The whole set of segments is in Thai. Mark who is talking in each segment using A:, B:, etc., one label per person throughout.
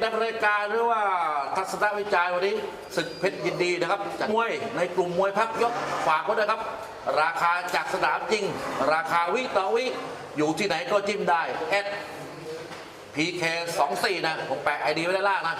A: ดำเนินการหรือว่าทัศนวิจัยวันนี้ศึกเพชรยินดีนะครับจัดมวยในกลุ่มมวยพักยกฝากไว้ด้วยครับราคาจากสนามจริงราคาวิต่อวิอยู่ที่ไหนก็จิ้มได้PK24 นะผมแปะไอดีไว้ด้านล่างนะ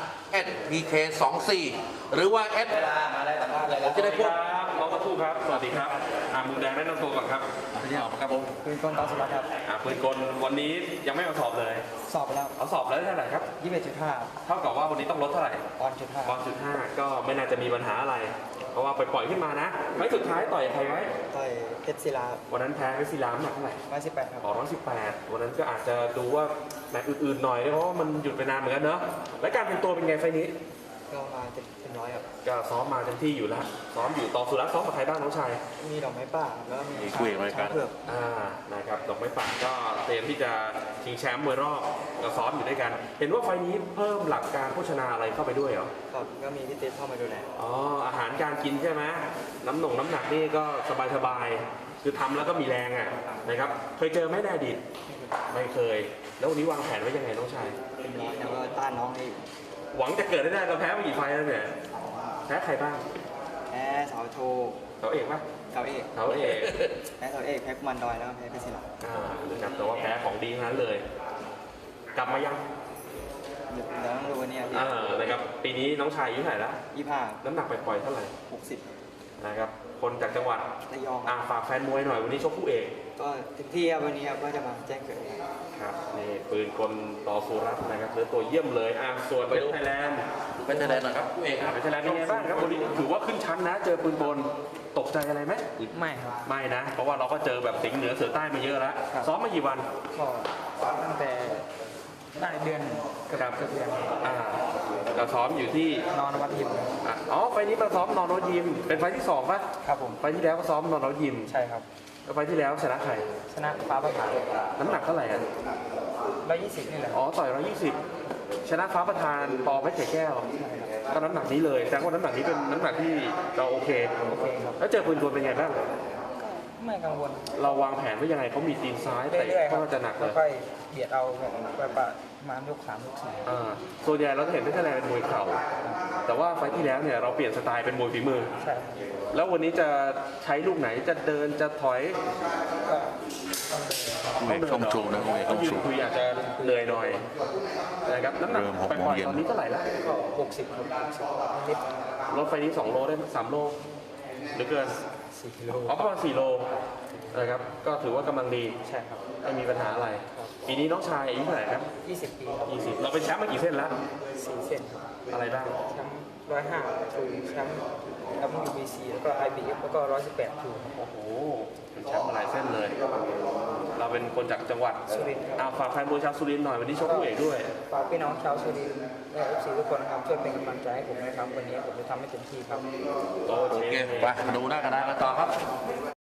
A: PK24 หรือว่า ผมจะได้พูด
B: น้องตะคู่ครับสวัสดีครับมุมแดงแนะนำตัวก่อนครับ
A: ที่ออกครับผม
C: ปืนกลตอนสุดครับ
B: ปืนกลวันนี้ยังไม่มาสอบเลย
C: สอบไปแล้ว
B: เอาสอบแล้วเท่าไหร่ครับ
C: 21.5
B: เท่ากับว่าวันนี้ต้องลดเท่าไหร่
C: ปอนด์จุดห้า
B: ก็ไม่น่าจะมีปัญหาอะไรเพราะว่าปล่อยขึ้นมานะไฟสุดท้ายต่อยใครไว้
C: ต่อยเพชรศิลา
B: วันนั้นแพ้เพชรศิลาหนักเท่าไหร่
C: 118ครับ
B: 118วันนั้นก็อาจจะดูว่าแมตช์อื่นๆหน่อยเพราะว่ามันหยุดไปนานเหมือนกันเนอะและการเป็นตัวเป็นไงไฟนี้
C: ก็มาเต็มร้อยครับ
B: ก็ซ้อมมาเต็มที่อยู่แล้วซ้อมอยู่ต่อสุรัตน์ซ้อมกับใครบ้างน้องชาย
C: มีดอกไม้ป่าแล้วก็มี
A: คุยอะไรกัน
B: นะครับดอกไม้ป่าก็เตรียมที่จะชิงแชมป์มวยรอบก็ซ้อมอยู่ด้วยกันเห็นว่าไฟนี้เพิ่มหลักการโภชนาอะไรเข้าไปด้วยเหรอ
C: ครับก็มีพี่เต้เข้ามาดูแล
B: อาหารการกินใช่ไหมน้ำหนักนี่ก็สบายคือทำแล้วก็มีแรงอ่ะนะครับเคยเจอไหมในอดีตไม่เคยแล้ววันนี้วางแผนไว้ยังไงน้องชาย
C: เต็มร้อยแล้วก็ต้านน้องให้
B: หวังจะเกิดได้เราแพ้มากี่ไฟแล้วเนี่ยแพ้ใครบ้าง
C: แพ้เสาโท
B: เสาเอกปะ
C: เสาเอกแพ้เสาเอกแพ้กุมารดอยแล้วแพ้เพชรศิลา
B: นะครับแต่ว่าแพ้ของดีนั้นเลยกลับมายัง
C: เดี๋ยวต้องดูวันนี้
B: นะครับปีนี้น้องชายอายุเท่าไหร่ละ
C: 25
B: น้ำหนักไปปล่อยเท่าไหร่
C: 60
B: นะครับคนจากจังหวัด
C: ระยอง
B: ฝากแฟนมวยหน่อยวันนี้ชกคู่เอก
C: ก็เต็มที่ครับวันนี้ครับก็จะมาแจ้งเกิด
B: ครับนี่ปืนคนต่อสุรัตน์นะครับเนื้อตัวเยี่ยมเลยส่วนเป็นไทยแลนด์
A: เป็นไทยแลนด์นะครับคู่เอก
B: เป็นไทยแลนด์เป็นไงบ้างครับวันนี้ถือว่าขึ้นชั้นนะเจอปืนบนตกใจอะไรไหม
C: ไม่ครับ
B: ไม่นะเพราะว่าเราก็เจอแบบสิงห์เหนือเสือใต้มาเยอะแล้วซ้อมมากี่วัน
C: ก็ตั้งแต่ได้เดือนกับเดือน
B: เราซ้อมอยู่ที่
C: นอนวัดยิม
B: ไฟนี้มาซ้อมนอนวัดยิมเป็นไฟที่2ป่ะ
C: ครับผม
B: ไฟที่แล้วก็ซ้อมนอนวัดยิม
C: ใช่ครับ
B: แล้วไฟที่แล้วชนะใคร
C: ชนะฟ้าประธาน
B: น้ำหนักเท่าไหร่
C: 120นี่แหละ
B: ต่อย120ชนะฟ้าประธานปอเพชรแก้วก็น้ำหนักนี้เลยแต่ว่าน้ำหนักนี้เป็นน้ำหนักที่เราโอเค
C: ครับ
B: แล้วเจอปืนตัวเป็นไงบ้าง
C: ไม่กังวล
B: เราวางแผนไว้ยังไงเขามีตีนซ้ายแต่ก็จะหนักเลย
C: ค่อยเบียดเอาประมาณยก3ยก
B: 4ส่วนใหญ่เราจะเห็นเพชรแลนด์เป็นมวยเข่าแต่ว่าไฟที่แล้วเนี่ยเราเปลี่ยนสไตล์เป็นมวยฝีมือ
C: ใช่
B: แล้ววันนี้จะใช้ลูกไหนจะเดินจะถอย
A: ก็ต้องชูนะ
B: ต้องชูคุยอาจจะเหนื่อยหน่อยนะครับน้ำหนักไปปล่อยตอนนี้เท่าไหร่แล้ว
C: ก็60นิด
B: รถไฟนี้2 โลได้3 โลหรือเกิน
C: 4 โล
B: ประมาณ4 โลนะครับก็ถือว่ากำลังดี
C: ใช่ครับ
B: ไม่มีปัญหาอะไรปีนี้น้องชายอายุเท่าไหร่ครับ
C: 20 ปี
B: 20เราเป็นแชมป์มากี่เส้นแล้ว
C: 4 เส้น
B: อะไรบ้าง
C: แชมป์105ถูแชมป์ WBC แล้วก็ IBF แล้วก็118ถู
B: โอ้โหเป็นแชมป์มาหลายเส้นเลยเราเป็นคนจากจังหวัด
C: สุรินทร์
B: ฝากแฟนมวยชาวสุรินทร์หน่อยวันนี้ชกคู่เอกด้วย
C: ฝากพี่น้องชาวสุรินทร์และ FC ทุกคนนะครับช่วยเป็นกำลังใจให้ผมนะครับวันนี้ผมจะทำให้เต็มที่ครับ
A: โอเคไปดูหน้ากระดานกันต่อครับ